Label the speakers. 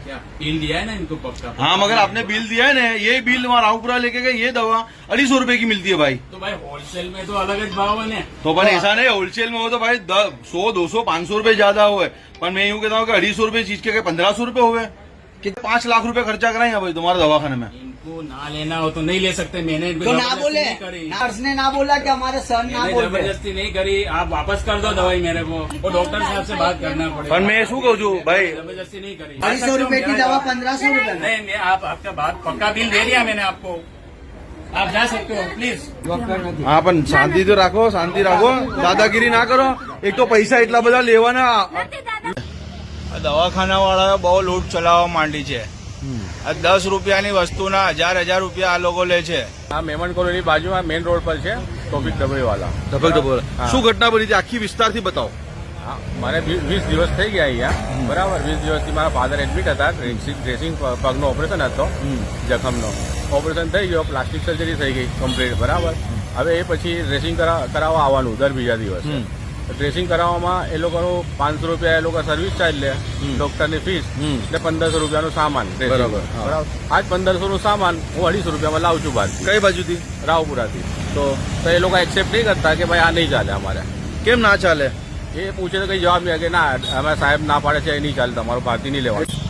Speaker 1: Bill दिया है ना इनको पक्का।
Speaker 2: हाँ मगर आपने बिल दिया है ना, ये बिल वहाँ रावपुरा लेके गए, ये दवा 250 रुपए की मिलती है भाई।
Speaker 1: तो भाई होलसेल में तो अलग જ भाव है ने।
Speaker 2: तो पर ऐसा नहीं, होलसेल में हो तो भाई 100 200 500 रुपए ज्यादा हुए, पर मैं यूँ कहता हूँ कि 250 रुपए चीज के 1500 रुपए हुए। कितने 5 लाख रुपए खर्चा कराए भाई तुम्हारे दवाखाने में।
Speaker 1: इनको ना लेना हो तो नहीं ले सकते, मैंने
Speaker 3: तो ना बोले, नर्स ने ना बोला कि हमारे सर ना बोल रहे।
Speaker 1: जबरदस्ती नहीं करी, आप वापस कर दो दवाई मेरे को, और डॉक्टर साहब से बात करना पड़ेगा।
Speaker 2: पर मैं शू कहूँ छू भाई,
Speaker 1: जबरदस्ती नहीं करी।
Speaker 3: 250 रुपए की दवा 1500 रुपए में।
Speaker 1: नहीं, आप आपका बात पक्का बिल दे दिया मैंने आपको, आप जा सकते हो प्लीज।
Speaker 2: हाँ पण शांति तो રાખો, શાંતિ રાખો, દાદાગીરી ના કરો। એક તો પૈસા એટલા બધા લેવાના।
Speaker 4: દવાખાના વાળાએ બહુ લૂંટ ચલાવવા માંડી છે। આ 10 રૂપિયાની વસ્તુના 1000 રૂપિયા આ લોકો લે છે।
Speaker 5: આ મેમન કોલોની બાજુમાં મેઇન રોડ પર છે ટોપિક ડબરીવાલા।
Speaker 2: ધબક શું ઘટના બની હતી આખી વિસ્તારથી બતાવો।
Speaker 5: હા, મારે 20 દિવસ થઈ ગયા અહીંયા, બરાબર। 20 દિવસથી મારા ફાધર એડમિટ હતા, ડ્રેસિંગ પગનો ઓપરેશન હતો, જખમનો ઓપરેશન થઈ ગયો, પ્લાસ્ટિક સર્જરી થઈ ગઈ કમ્પ્લીટ, બરાબર। હવે એ પછી ડ્રેસિંગ કરાવવા આવવાનું દર બીજા દિવસે। ડ્રેસિંગ કરાવવામાં એ લોકોનું 500 રૂપિયા એ લોકો સર્વિસ ચાર્જ લે, ડોક્ટરની ફીસ ને 1500 રૂપિયાનું સામાન, બરાબર। આજ 1500 નું સામાન હું 250 રૂપિયામાં લાવું છું બહાર।
Speaker 2: કઈ બાજુથી?
Speaker 5: રાવપુરાથી। તો એ લોકો એક્સેપ્ટ નહીં કરતા કે ભાઈ આ નહીં ચાલે અમારે।
Speaker 2: કેમ ના ચાલે?
Speaker 5: એ પૂછે તો કઈ જવાબ નહીં કે ના, અમે સાહેબ ના પાડે છે, એ નહીં ચાલે, તમારું ભારતી નહીં લેવાનું।